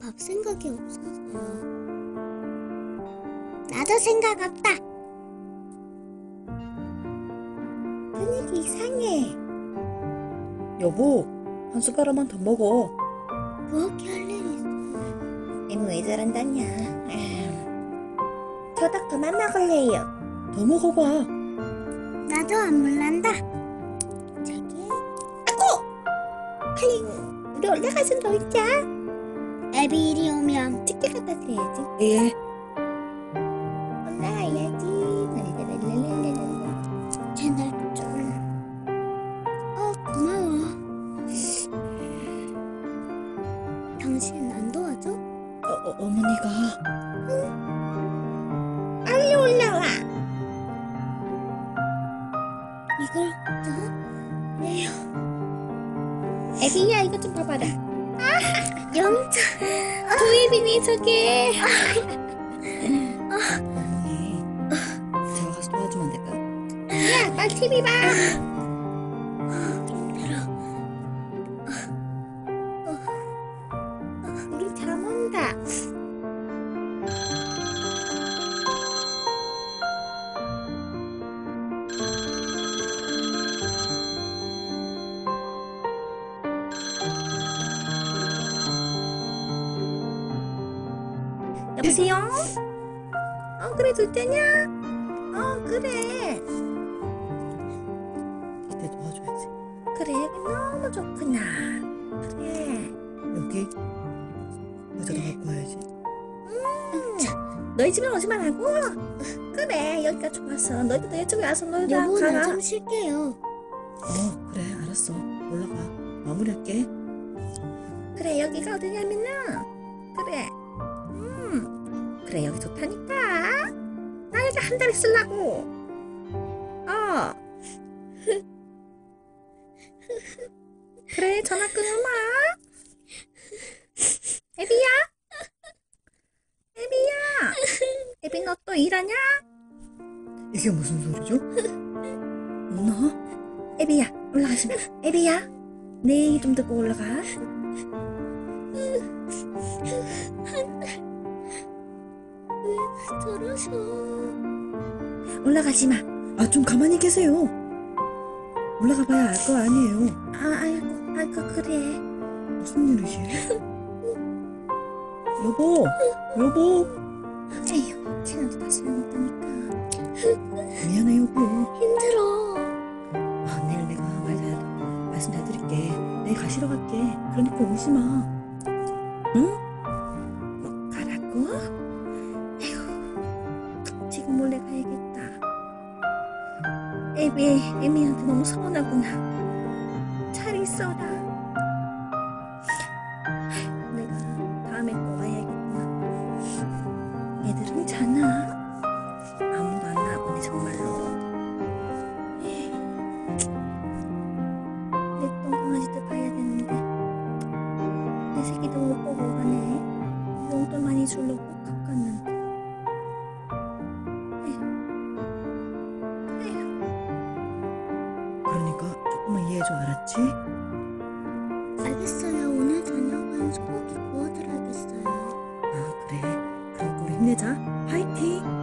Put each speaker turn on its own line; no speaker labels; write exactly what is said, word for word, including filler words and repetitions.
밥 생각이 없어서요. 나도 생각 없다. 분위기 이상해.
여보, 한 숟가락만 더 먹어.
부엌에 할 일이 있어.
엠 왜 저런다냐. 저닭 그만 먹을래요.
더 먹어봐.
나도 안 몰란다.
저기 아고! 빨리 우리 올라가서 놀자.
애비 이리 오면
찍게 갖다 드려야지.
예.
올라가야지. 랄랄랄랄랄랄.
채널 좀. 어, 고마워. 당신 안 도와줘?
어, 어, 어머니가.
빨리 올라와.
이걸 또?
에휴. 애비야 이거 좀 봐봐라.
영자.
도예빈이 저게.
어머니, 제가 가서 도와주면 안 될까요?
야 빨리 티비 봐. 우리 잠 온다. 여보세요? 어 그래 둘째냐? 어 그래
이때 도와줘야지.
그래 너무 좋구나. 그래
여기 의자도 갖고 와야지.
음, 너희 집에 오지 말라고? 그래 여기가 좋아서 너희도 내 집에 와서 놀자.
여보,
가라.
나 좀 쉴게요.
어, 그래, 알았어. 올라가. 마무리할게.
그래 여기가 어디냐면은 그래 음 그래 여기 좋다니까. 나 여기 한 달 있으려고. 어 그래 전화 끊으마. 애비야 애비야 애비 너 또 일하냐?
이게 무슨 소리죠? 누나?
애비야 올라가지 마. 애비야 내 얘기 좀 듣고 올라가.
저러셔.
올라가지 마.
아, 좀 가만히 계세요. 올라가 봐야 알 거 아니에요.
아 아이고 아이고 그래.
무슨 일이지? 여보, 여보.
에휴 쟤네도 다 소용없다니까.
미안해, 여보.
힘들어.
아, 내일 내가 말 잘, 말씀 잘 드릴게. 내일 가시러 갈게. 그러니까 오지 마. 응?
뭐 가라고? 에휴 지금 몰래 가야겠다. 애비 애미한테 너무 서운하구나. 잘 있어라. 내가 다음에 또 와야겠구나. 애들은 자나? 아무도 안 나보네 정말로. 내 똥강아지도 봐야 되는데 내 새끼도 못 보고 가네. 용돈 많이 주려고 값 갔는데. 에휴. 에휴.
그러니까 조금만 이해해줘, 알았지?
알겠어요. 오늘 저녁은 소고기 구워드려야겠어요.
아, 그래. 그러니까 우리 힘내자. 파이팅!